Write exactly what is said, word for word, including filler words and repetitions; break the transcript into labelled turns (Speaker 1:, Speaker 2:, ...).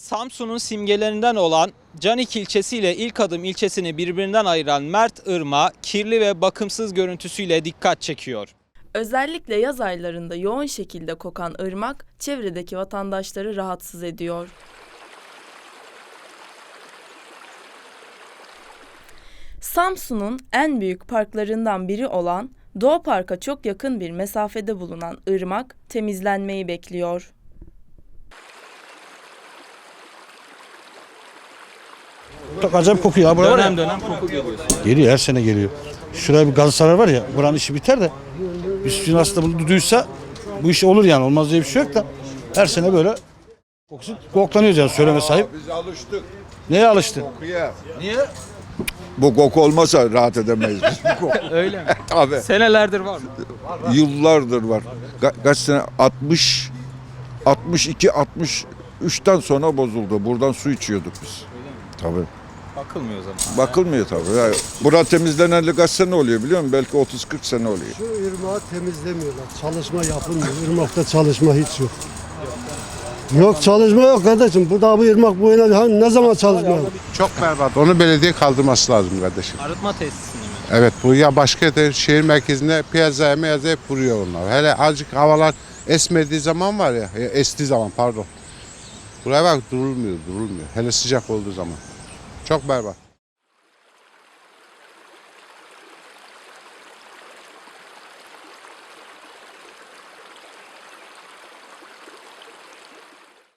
Speaker 1: Samsun'un simgelerinden olan Canik ilçesi ile İlkadım ilçesini birbirinden ayıran Mert Irmağı kirli ve bakımsız görüntüsüyle dikkat çekiyor.
Speaker 2: Özellikle yaz aylarında yoğun şekilde kokan ırmak çevredeki vatandaşları rahatsız ediyor. Samsun'un en büyük parklarından biri olan Doğa Park'a çok yakın bir mesafede bulunan ırmak temizlenmeyi bekliyor.
Speaker 3: Çok acayip kokuyor. Dönem
Speaker 1: Dönem dönem koku geliyor.
Speaker 3: Geliyor, her sene geliyor. Şuraya bir Galatasaray var ya, buranın işi biter de üstün aslında bunu duysa bu iş olur yani, olmaz diye bir şey yok da her sene böyle kokusu koklanıyoruz yani, söyleme sahip.
Speaker 4: Biz alıştık
Speaker 3: Neye alıştın?
Speaker 4: kokuya.
Speaker 1: Niye?
Speaker 4: Bu koku olmasa rahat edemeyiz biz. Bu koku.
Speaker 1: Öyle mi?
Speaker 4: Abi
Speaker 1: Senelerdir var mı?
Speaker 4: yıllardır var. Ka- kaç sene? altmış, altmış iki, altmış üçten sonra bozuldu. Buradan su içiyorduk biz. Tabii.
Speaker 1: Bakılmıyor o zaman.
Speaker 4: Bakılmıyor tabii. Yani bura temizleneli kaç sene oluyor biliyor musun? Belki otuz kırk sene oluyor.
Speaker 5: Şu ırmağı temizlemiyorlar. Çalışma yapılmıyor. Irmakta çalışma hiç yok. Yok, çalışma yok kardeşim. Burada bu ırmak bu yana ne zaman çalışma yok?
Speaker 6: Çok berbat. Onu belediye kaldırması lazım kardeşim.
Speaker 1: Arıtma tesisini mi?
Speaker 6: Evet, bu ya başka yerde şehir merkezinde piyazaya meyazaya hep vuruyor onlar. Hele azıcık havalar esmediği zaman var ya, estiği zaman pardon. Buraya bak, durulmuyor, durulmuyor. Hele sıcak olduğu zaman. Çok berbat.